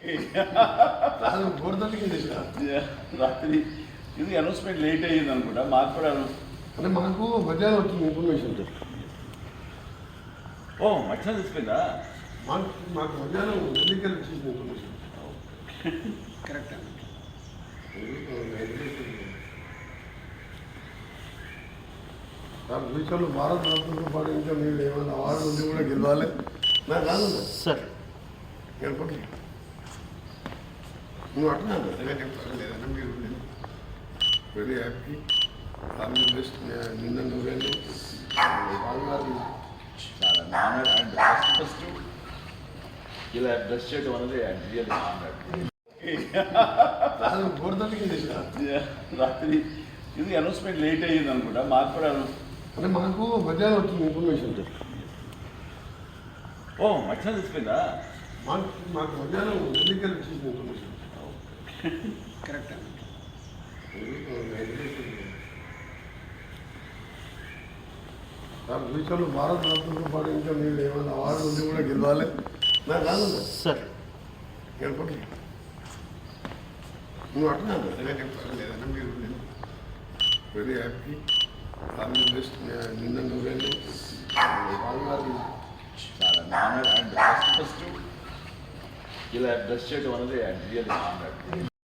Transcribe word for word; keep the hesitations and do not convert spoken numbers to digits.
రాత్రి ఇది announcement late అయ్యింది అనుకుంటా. మాకు కూడా అంటే మనకు మధ్యాహ్నం వచ్చింది ఇన్ఫర్మేషన్. ఓ మధ్యాహ్నం తెలిసిపోయిందా? మాకు మాకు మధ్యాహ్నం ఎన్నికలు వచ్చేసింది ఇన్ఫర్మేషన్. కరెక్ట్ అండి. ఫ్యూచర్లో భారత రత్నతో పాటు ఇంకా మీరు ఏమైనా అవార్డు ఉంది కూడా గెలవాలి. నాకు రాదు సార్ గెలపట్లే నువ్వు అంటున్నాను లేదన్నా మీరు very happy all the best. నిన్న నువ్వేళ్ళు చాలా ఆనర్ అండ్ ఫస్ట్ ఫస్ట్ ఇలా డ్రెస్ చేయడం అనేది రియల్ ఆనర్. గోడతలకి రాత్రి ఇది అనౌన్స్మెంట్ లేట్ అయ్యింది అనుకుంటా. మాకు కూడా అంటే మనకు మధ్యాహ్నం వచ్చింది ఇన్ఫర్మేషన్. ఓ మధ్యాహ్నం తెలిసిపోయిందా? మాకు మాకు మధ్యాహ్నం ఎన్నికలు వచ్చేసింది ఇన్ఫర్మేషన్. కరెక్ట్ అండి. ఫ్యూచర్లో భారత రత్నతో పాటు ఇంకా మీరు ఏమైనా అవార్డు ఉంది కూడా గెలవాలి. నాకు రాదు సార్ గెలపట్లే నువ్వు అంటున్నాను లేదన్నా మీరు very happy all the best. నిన్న నువ్వేళ్ళు చాలా ఆనర్ అండ్ ఫస్ట్ ఫస్ట్ ఇలా డ్రెస్ చేయడం అనేది రియల్ ఆనర్.